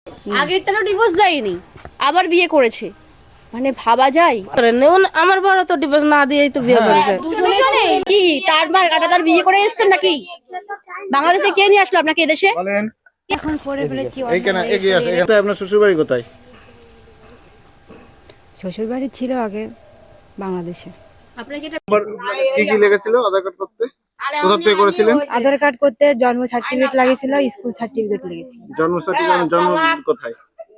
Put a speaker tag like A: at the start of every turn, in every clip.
A: আগেরটারও divorce দেয়নি, আবার বিয়ে করেছে, মানে ভাবা যায়?
B: আমার বড় তো ডিভোর্স না দিয়েই তো বিয়ে করেছে।
A: দুজনে কি তার মার কাটাতার বিয়ে করে এসেছেন নাকি? বাংলাদেশে কে নিয়ে আসলো আপনাকে এদেশে?
C: বলেন।
D: এখন করে ফেলেছি,
C: এইখানে এগিয়ে আসে। এখানে আপনার শ্বশুর বাড়ি কোথায়?
D: শ্বশুর বাড়ি ছিল আগে বাংলাদেশে।
A: আপনাকে এটা
C: কি কি লেগেছিল আধার কার্ড করতে? কোথা থেকে করেছিলেন?
D: আধার কার্ড করতে জন্ম সার্টিফিকেট লাগিয়েছিল, স্কুল সার্টিফিকেট লেগেছিল।
C: জন্ম সার্টিফিকেট, জন্ম কোথায়?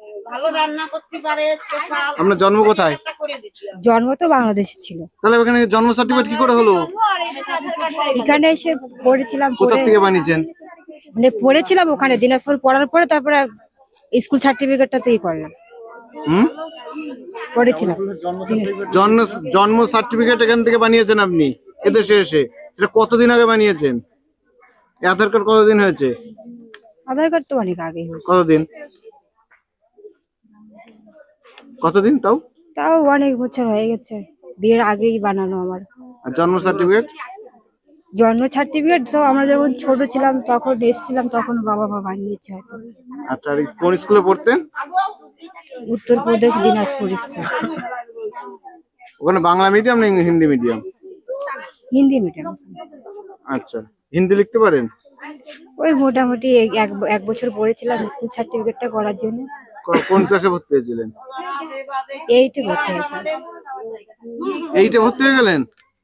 C: আপনার জন্ম কোথায়?
D: জন্ম তো বাংলাদেশে ছিল,
C: তাহলে ওখানে জন্ম সার্টিফিকেট কি করে হলো?
D: এখানে এসে পড়েছিলাম,
C: কোথা
D: পড়ে
C: থেকে বানিয়েছেন?
D: মানে পড়েছিলাম ওখানে দিনাজপুর, পড়ার পরে তারপরে স্কুল সার্টিফিকেটটা তৈরি করলাম,
C: হুম,
D: পড়েছিলাম।
C: জন্ম জন্ম সার্টিফিকেট এখান থেকে বানিয়েছেন আপনি এদেশে এসে? এটা কতদিন আগে বানিয়েছেন? এই আধার কার্ড কতদিন হয়েছে?
D: আধার কার্ড তো অনেক আগেই হয়েছে,
C: কতদিন? কতদিন তাও?
D: তাও অনেক বছর হয়ে গেছে, বিয়ের আগেই বানানো আমার।
C: আর জন্ম সার্টিফিকেট?
D: জন্ম সার্টিফিকেট তো আমরা যখন ছোট ছিলাম তখন এসেছিলাম, তখন বাবা মা বানিয়েছে হয়তো।
C: আচ্ছা, আর কোন স্কুলে পড়তেন?
D: উত্তরপ্রদেশ দিনাজপুর স্কুল।
C: ওখানে বাংলা মিডিয়াম না হিন্দি মিডিয়াম?
D: হিন্দি মিডিয়াম।
C: আচ্ছা, হিন্দি লিখতে পারেন?
D: ওই মোটামুটি এক বছর পড়েছিলাম স্কুল সার্টিফিকেটটা করার জন্য।
C: কোন ক্লাসে ভর্তি হয়েছিলেন?
D: এইটে ভর্তি হয়েছে।
C: এইটে ভর্তি হয়ে গেলেন?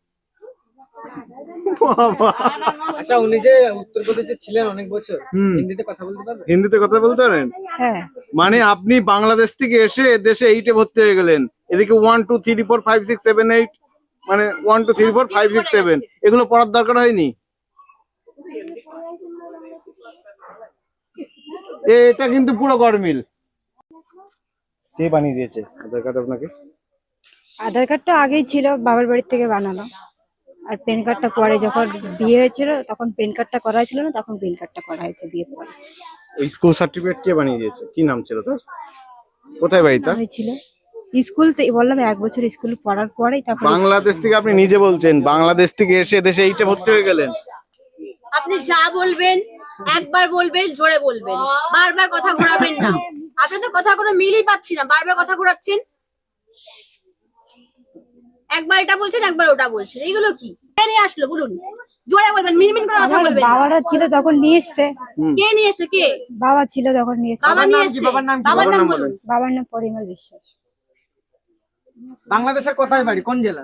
C: বাবা!
E: আচ্ছা, উনি যে উত্তরপ্রদেশে ছিলেন অনেক বছর,
C: হুম।
E: হিন্দিতে কথা বলতে পারবেন?
C: হিন্দিতে কথা বলতে পারেন?
D: হ্যাঁ,
C: মানে আপনি বাংলাদেশ থেকে এসে দেশে এইটে ভর্তি হয়ে গেলেন, এদিকে 1 2 3 4 5 6 7 8, মানে 1 2 3 4 5 6 7 এগুলো পড়ার দরকার হয়নি? এটা কিন্তু পুরো গরমিল। কে বানিয়ে দিয়েছে আধার কার্ড আপনাকে?
D: আধার কার্ডটা আগেই ছিল, বাবার বাড়ির থেকে বানানো। আর প্যান কার্ডটা পরে যখন বিয়ে হয়েছিল তখন প্যান কার্ডটা করা হয়েছিল না, তখন প্যান কার্ডটা করা হয়েছে বিয়ের পরে।
C: ওই স্কুল সার্টিফিকেট কে বানিয়ে দিয়েছে? কি নাম ছিল তার? কোথায় বাড়ি তার?
D: হয়েছিল স্কুল থেকে, বললাম এক বছর স্কুল পড়ার পরেই তারপর।
C: বাংলাদেশ থেকে আপনি নিজে বলছেন বাংলাদেশ থেকে এসে দেশে এইটে ভর্তি হয়ে গেলেন?
A: আপনি যা বলবেন একবার বলবেন, জোরে বলবেন, বারবার কথা ঘোরাবেন না। আপনার তো কথা কোনো মিলই পাচ্ছি না, বারবার কথা ঘোরাচ্ছেন। একবার এটা বলছেন, একবার ওটা বলছেন, এগুলো কি? কে নিয়ে আসলো বলুন? জোরে বলবেন, মিনমিন করে কথা
D: আমার
A: বলবেন।
D: বাবারা ছিল তখন নিয়ে এসছে।
A: কে নিয়ে এসে? কে?
D: বাবা ছিল তখন নিয়ে এসছে।
A: বাবা নিয়ে এসছে।
E: বাবার নাম কি?
A: বাবার নাম বলুন।
D: বাবার নাম পরিমল বিশ্বাস।
E: বাংলাদেশের কোথায় বাড়ি, কোন জেলা?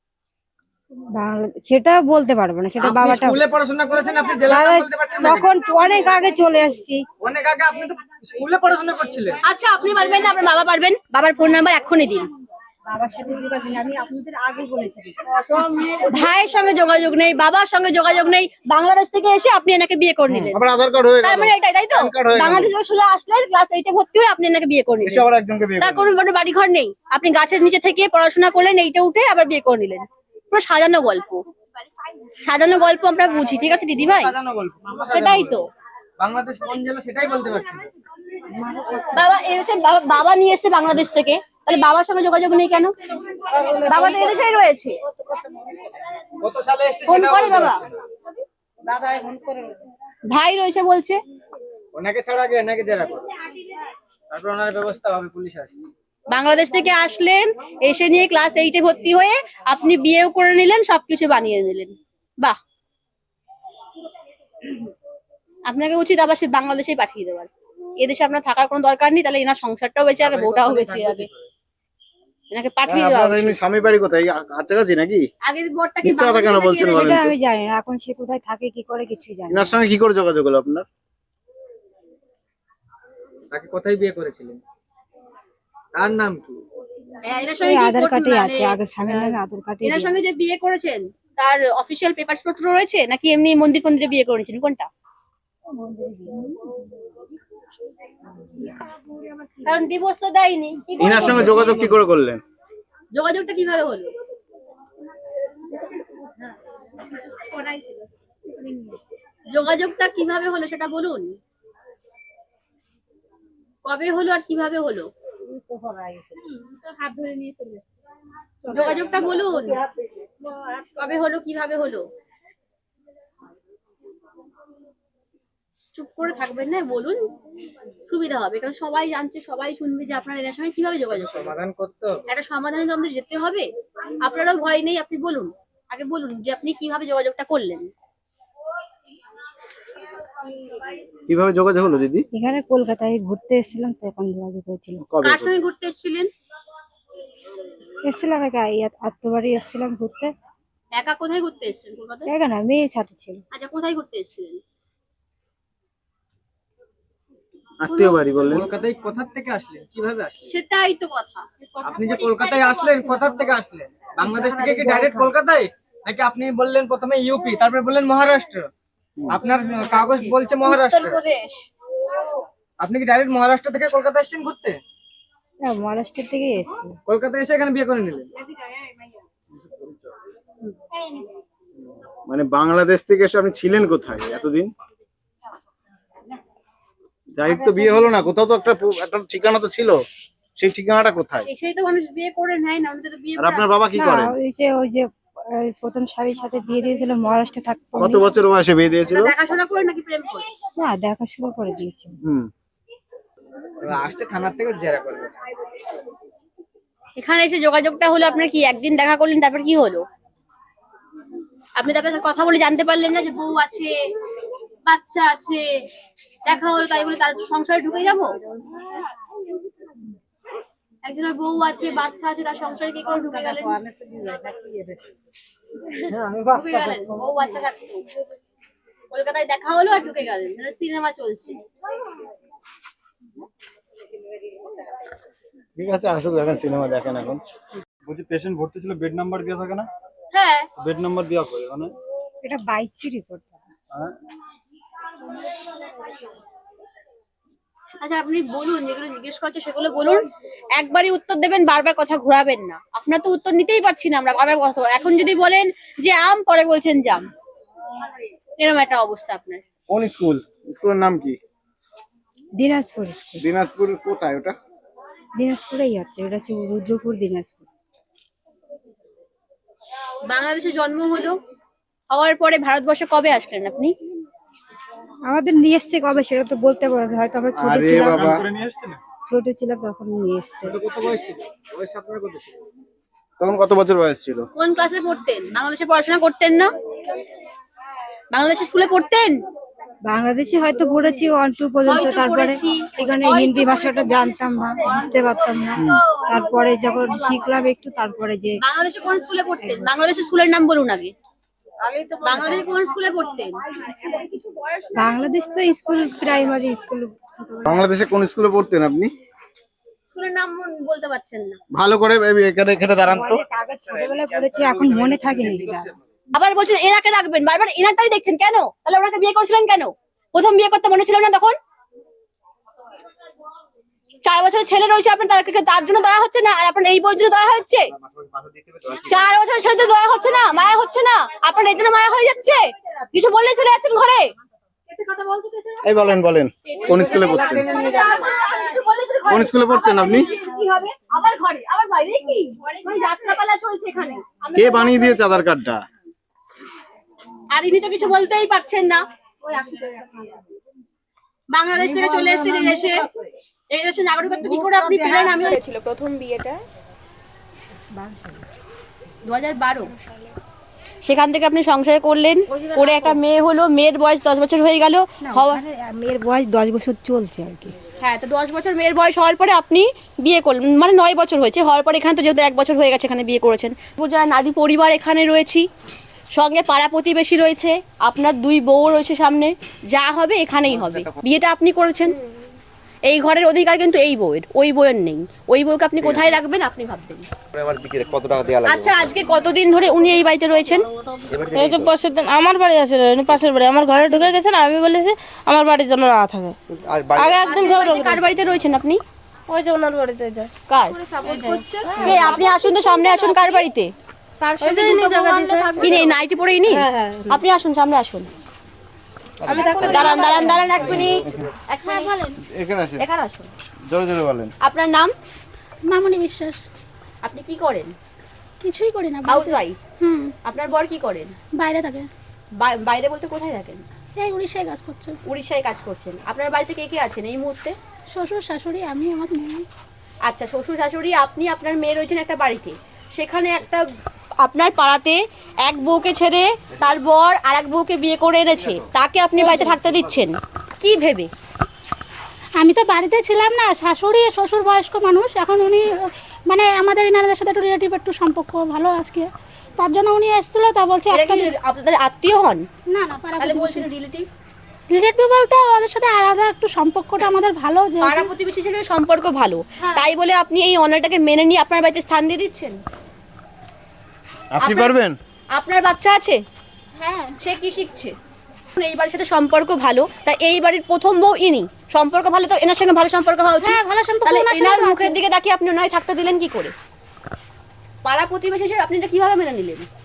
D: সেটা বলতে পারবো না, সেটা
E: আপনি
D: বাবাটা।
E: স্কুলে পড়াশোনা করেছেন, আপনি জেলার নাম বলতে পারছেন না?
D: তখন অনেক আগে চলে আসছি।
E: অনেক আগে আপনি তো স্কুলে পড়াশোনা করছিলেন।
A: আচ্ছা, আপনি পারবেন না, আপনার বাবা পারবেন? বাবার ফোন নাম্বার এক্ষুনি দিন।
D: বাবার সাথে যোগাযোগ নেই, আমি আপনাদের আগে বলেছি।
A: ভাইয়ের সঙ্গে যোগাযোগ নেই, বাবার সঙ্গে যোগাযোগ নেই, বাংলাদেশ থেকে এসে আপনি এনাকে বিয়ে করে নিলেন।
C: আবার আধার কার্ড হয়ে গেল।
A: তার মানে এটাই, তাই তো?
C: PAN card হয়ে গেল।
A: বাংলাদেশ থেকে সোজা আসলেন, ক্লাস 8 এ ভর্তি হয়ে আপনি এনাকে বিয়ে করে
C: এসে
A: নিলেন।
C: আবার একজনকে বিয়ে
A: তার
C: করলেন।
A: কোনো বড় বাড়ি ঘর নেই, আপনি গাছের নিচে থেকে পড়াশোনা করলেন, এইটা উঠে আবার বিয়ে করে নিলেন। পুরো সাজানো গল্প, সাজানো গল্প আমরা বুঝি, ঠিক আছে দিদি ভাই?
E: সাজানো গল্প।
A: সেটাই তো।
E: বাংলাদেশ কোন জেলা সেটাই বলতে পারছি না।
A: বাবা এসে বাবা নিয়ে এসে বাংলাদেশ থেকে, তাহলে বাবার সঙ্গে যোগাযোগ নেই কেন? বাবা তো এদেশেই রয়েছে।
E: কত সালে এসেছে
A: ফোন
E: সেটাও
A: করে
E: বলতে
A: বাবা,
E: পারছি না।
A: ভাই রয়েছে বলছে।
E: ওনাকে ছাড়া আগে এনাকে জেরা করো, তারপর ওনার ব্যবস্থা হবে, পুলিশ আসছে।
A: বাংলাদেশ থেকে আসলেন, এসে নিয়ে ক্লাস 8 এ ভর্তি হয়ে আপনি বিয়েও করে নিলেন, সবকিছু বানিয়ে নিলেন। বাহ, আপনাকে উচিত আবার সে বাংলাদেশেই পাঠিয়ে দেওয়ার। এদেশে আপনার থাকার কোনো দরকার নেই, তাহলে এনার সংসারটাও বেঁচে যাবে, বউটাও বেঁচে যাবে। এনাকে পাঠিয়ে দেওয়া
C: আপনার
A: উচিত।
C: এমনি স্বামী বাড়ি কোথায়? কাছাকাছি নাকি?
A: আগের বরটা কি
C: মিথ্যা কথা কেন
A: বাংলাদেশে
C: বলছেন
A: নাকি
C: বলেন
D: সেটা
C: তো?
D: আমি জানি না, এখন সে কোথায় থাকে কি করে কিছুই জানি না।
C: এনার সঙ্গে কি করে যোগাযোগ হলো আপনার?
E: তাকে কোথায় বিয়ে করেছিলেন? তার নাম কি?
A: এনার
D: ওই
A: সঙ্গে কি
D: আধার কার্ডে
A: মানে,
D: আছে, আগের স্বামীর নামে আধার কার্ডে।
A: এনার সঙ্গে যে বিয়ে করেছেন তার অফিসিয়াল পেপারস পত্র রয়েছে নাকি এমনি মন্দির ফন্দিরে বিয়ে করেছেন, কোনটা? কারণ ডিভোর্স তো দেয়নি। কি করে
C: এনার সঙ্গে
A: করলো?
C: যোগাযোগ কি করে করলেন?
A: যোগাযোগটা কিভাবে হলো? যোগাযোগটা কিভাবে হলো সেটা বলুন। কবে হলো আর কিভাবে হলো? যোগাযোগটা বলুন, কবে হলো, কিভাবে হলো? চুপ করে থাকবেন না, বলুন, সুবিধা হবে। কারণ সবাই জানছে, সবাই শুনবে যে আপনার এনার সঙ্গে কিভাবে যোগাযোগ করবেন।
E: সমাধান করতে হবে।
A: একটা সমাধানে তো আমাদের যেতে হবে। আপনারও ভয় নেই, আপনি বলুন, আগে বলুন যে আপনি কিভাবে যোগাযোগটা করলেন।
C: কিভাবে যোগাযোগ হলো দিদি?
D: এখানে কলকাতায় ঘুরতে এসেছিলাম, তখন যোগাযোগ হয়েছিল।
C: কবে?
A: কার সঙ্গে ঘুরতে এসেছিলেন?
D: এসেছিলাম একা, আত্মবাড়ি এসেছিলাম ঘুরতে।
A: একা? কোথায় ঘুরতে এসেছিলেন? কলকাতায়?
D: একা না, মেয়ে সাথে ছিল।
A: আচ্ছা, কোথায় ঘুরতে এসেছিলেন?
C: আত্মীয় বাড়ি বললেন।
E: কলকাতায় কোথা থেকে আসলেন, কিভাবে আসলেন?
A: সেটাই তো কথা।
E: আপনি যে কলকাতায় আসলেন, কোথা থেকে আসলেন? বাংলাদেশ থেকে কি ডাইরেক্ট কলকাতায়, নাকি আপনি বললেন প্রথমে ইউপি, তারপরে বললেন মহারাষ্ট্র? আপনার কাগজ বলছে মহারাষ্ট্র।
A: উত্তরপ্রদেশ।
E: আপনি কি ডাইরেক্ট মহারাষ্ট্র থেকে কলকাতা এসেছেন ঘুরতে?
D: না, মহারাষ্ট্র থেকে এসেছি।
E: কলকাতায় এসে এখানে বিয়ে করে নিলেন?
C: মানে বাংলাদেশ থেকে এসে আপনি ছিলেন কোথায় এতদিন? ডাইরেক্ট তো বিয়ে হলো না, কোথাও তো একটা একটা ঠিকানা তো ছিল, সেই ঠিকানাটা কোথায়?
A: এসেই তো মানুষ বিয়ে করে নেয় না, অন্যদের তো বিয়ে
C: আর
A: করে
C: আপনার বাবা কি
D: না,
C: করেন?
D: ওই যে প্রথম স্বামীর সাথে বিয়ে দিয়েছিল, মহারাষ্ট্রে থাকতো।
C: কত বছর বয়সে বিয়ে দিয়েছিল?
A: না, দেখাশোনা করে নাকি প্রেম করে?
D: না, দেখাশোনা করে দিয়েছিল।
E: আসছে থানার থেকে জেরা করবে।
A: এখানে এসে যোগাযোগটা হলো আপনার, কি একদিন দেখা করলেন, তারপর কি হলো? আপনি তারপরে কথা বলে জানতে পারলেন না যে বউ আছে, বাচ্চা আছে, দেখা হলো তাই বলে তার সংসারে ঢুকে যাব? একজনের বউ আছে, বাচ্চা আছে, তার সংসারে কি করে ঢুকে গেলেন? ঢুকে গেলেন, বউ বাচ্চা থাকতো, কলকাতায় দেখা হলো আর ঢুকে গেলেন, সিনেমা চলছে।
C: ঠিক আছে, আসুক, দেখেন সিনেমা দেখেন এখন।
F: বলছি পেশেন্ট ভর্তি ছিল, বেড নাম্বার দেওয়া থাকে না?
A: হ্যাঁ,
F: বেড নাম্বার দেওয়া করে মানে
D: এটা বাইসি রিপোর্ট।
A: আচ্ছা আপনি বলুন, যেগুলো জিজ্ঞেস করছে সেগুলো বলুন, একবারই উত্তর দেবেন, বারবার কথা ঘোরাবেন না। আপনার তো উত্তর নিতেই পারছি না আমরা, বারবার কথা। এখন যদি বলেন যে আম, পরে বলছেন জাম, এরকম একটা অবস্থা আপনার।
C: কোন স্কুল? স্কুলের নাম কি?
D: দিনাজপুর স্কুল।
C: দিনাজপুর কোথায় ওটা?
D: দিনাজপুরেই হচ্ছে, এটা হচ্ছে রুদ্রপুর, দিনাজপুর।
A: বাংলাদেশে জন্ম হলো, হওয়ার পরে ভারতবর্ষে কবে আসলেন আপনি?
D: আমাদের নিয়ে এসছে কবে সেটা তো বলতে পারবো না, হয়তো আমরা ছোট
C: আরে
D: ছিলাম।
C: বাবা,
F: করে নিয়ে এসেছিলেন?
D: ছোট ছিলাম তখন নিয়ে এসছে।
E: কত বয়স ছিল? বয়স আপনার কত ছিল?
C: তখন কত বছর বয়স ছিল?
A: কোন ক্লাসে পড়তেন? বাংলাদেশে পড়াশোনা করতেন না? বাংলাদেশে স্কুলে পড়তেন?
D: বাংলাদেশে হয়তো পড়েছি 1-2 পর্যন্ত,
A: হয়তো
D: তারপরে
A: পড়েছি,
D: এখানে
A: হয়তো
D: হিন্দি ভাষাটা জানতাম না, বুঝতে পারতাম না। তারপরে যখন শিখলাম একটু, তারপরে যে
A: বাংলাদেশে কোন স্কুলে পড়তেন? বাংলাদেশের স্কুলের নাম বলুন আগে। বাংলাদেশে কোন স্কুলে পড়তেন?
D: বাংলাদেশ তো স্কুল, প্রাইমারি স্কুল।
C: বাংলাদেশে কোন স্কুলে পড়তেন আপনি?
A: স্কুলের নাম বলতে পারছেন না?
C: ভালো করে এখানে এখানে দাঁড়ান তো।
D: ছোটবেলায় পড়েছি, এখন মনে থাকেনি।
A: আবার বলছেন এনাকে রাখবেন, বারবার এনারটাই দেখছেন কেন? তাহলে ওনাকে বিয়ে করেছিলেন কেন? প্রথম বিয়ে করতে মনে ছিল না তখন? 4 বছরের ছেলে রয়েছে আপনার, তার জন্য দয়া হচ্ছে না? আর আপনার এই বউর জন্য দয়া হচ্ছে? 4 বছরের ছেলেদের দয়া হচ্ছে না, মায়া হচ্ছে না? আপনার এই জন্য মায়া হয়ে যাচ্ছে? কিছু বললে চলে যাচ্ছেন ঘরে।
C: এই বলেন বলেন, কোন স্কুলে পড়তেন? কোন স্কুলে পড়তেন আপনি?
A: কি হবে? আবার ঘরে, আবার বাইরে কি? মানে যাত্রাপালা চলছে এখানে।
C: কে বানিয়ে দিয়েছে আধার কার্ডটা?
A: আর ইনি তো কিছু বলতেই পারছেন না। বাংলাদেশ থেকে চলে এসেছেন এই দেশে নাগরিকত্ব কি করে আপনি পেলেন? আমি
G: ছিল প্রথম বিয়েটা
A: 2012 সেখান থেকে আপনি সংসার করলেন, করে একটা মেয়ে হলো, মেয়ের বয়স 10 বছর হয়ে গেল।
D: মেয়ের বয়স 10 বছর চলছে আর কি।
A: হ্যাঁ, তো 10 বছর মেয়ের বয়স হওয়ার পরে আপনি বিয়ে করলেন, মানে 9 বছর হয়েছে হওয়ার পরে। এখানে তো যেহেতু 1 বছর হয়ে গেছে এখানে বিয়ে করেছেন। যারা নারী পরিবার এখানে রয়েছি, সঙ্গে পাড়া প্রতিবেশী রয়েছে, আপনার 2 বউ রয়েছে সামনে, যা হবে এখানেই হবে। বিয়েটা আপনি করেছেন, এই ঘরের অধিকার কিন্তু এই বউয়ের, ওই বউয়ের নেই। ওই বউকে আপনি কোথায় রাখবেন আপনি ভাববেন। আচ্ছা, আজকে কতদিন ধরে উনি এই বাড়িতে রয়েছেন?
B: এই যে পাশের দিন আমার বাড়ি আসে, পাশের বাড়ি আমার ঘরে ঢুকে গেছে না, আমি বলেছি আমার বাড়ির জন্য না থাকে। আগে একদিন
A: কার বাড়িতে রয়েছেন আপনি?
B: ওই যে ওনার বাড়িতে যায়।
A: কার? কে? আপনি আসুন তো, সামনে আসুন। কার বাড়িতে? কি নেই, নাইটি পরে ইনি? আপনি আসুন, সামনে আসুন। দাঁড়ান দাঁড়ান দাঁড়ান, 1 মিনিট।
C: এখানে আসেন,
A: এখানে আসুন।
C: জোরে জোরে বলেন।
A: আপনার নাম?
G: মামনি বিশ্বাস।
A: আপনি কি করেন?
G: কিছুই করি না।
A: House wife.
G: হুম,
A: আপনার বর কি করেন?
G: বাইরে থাকে।
A: বাইরে বলতে কোথায় থাকেন?
G: এই উড়িষ্যায় কাজ করছে।
A: উড়িষ্যায় কাজ করছেন। আপনার বাড়িতে কে কে আছেন এই মুহূর্তে?
G: শ্বশুর শাশুড়ি আমি আমার মেয়ে।
A: আচ্ছা, শ্বশুর শাশুড়ি, আপনি, আপনার মেয়ে রয়েছেন একটা বাড়িতে। সেখানে একটা আপনার পাড়াতে এক বউকে ছেড়ে তার বর আর এক বউকে বিয়ে করে এনেছে, তাকে আপনি বাড়িতে থাকতে দিচ্ছেন কি ভেবে?
G: আমি তো বাড়িতে ছিলাম না, শাশুড়ি শ্বশুর বয়স্ক মানুষ, এখন উনি মানে আমাদের ইনারদের সাথে একটু রিলেটিভ একটু সম্পর্ক ভালো আজকে, তার জন্য উনি এসেছিল। তা বলছে
A: এরা
G: একটা
A: কি আপনাদের আত্মীয় হন?
G: না না পাড়া
A: তাহলে বলছেন রিলেটিভ।
G: রিলেটিভ বলতে ওদের সাথে আলাদা একটু সম্পর্কটা আমাদের ভালো, যে
A: পাড়া প্রতিবেশী হিসেবে সম্পর্ক ভালো,
G: হ্যাঁ।
A: তাই বলে আপনি এই অনারটাকে মেনে নিয়ে আপনার বাড়িতে স্থান দিয়ে দিচ্ছেন?
C: আপনি
A: আপনার-
C: পারবেন?
A: আপনার বাচ্চা আছে,
G: হ্যাঁ
A: সে কি শিখছে? এই বাড়ির সাথে সম্পর্ক ভালো, তাই এই বাড়ির প্রথম বউ ইনি, সম্পর্ক ভালো, তো এনার সঙ্গে ভালো সম্পর্ক হওয়া উচিত।
G: হ্যাঁ, ভালো সম্পর্ক
A: তাহলে
G: ওনার সঙ্গে
A: এনার
G: তো
A: মুখের
G: আছে।
A: দিকে তাকিয়ে আপনি নয় থাকতে দিলেন কি করে? পাড়া প্রতিবেশী হিসেবে আপনি এটা কিভাবে মেনে নিলেন?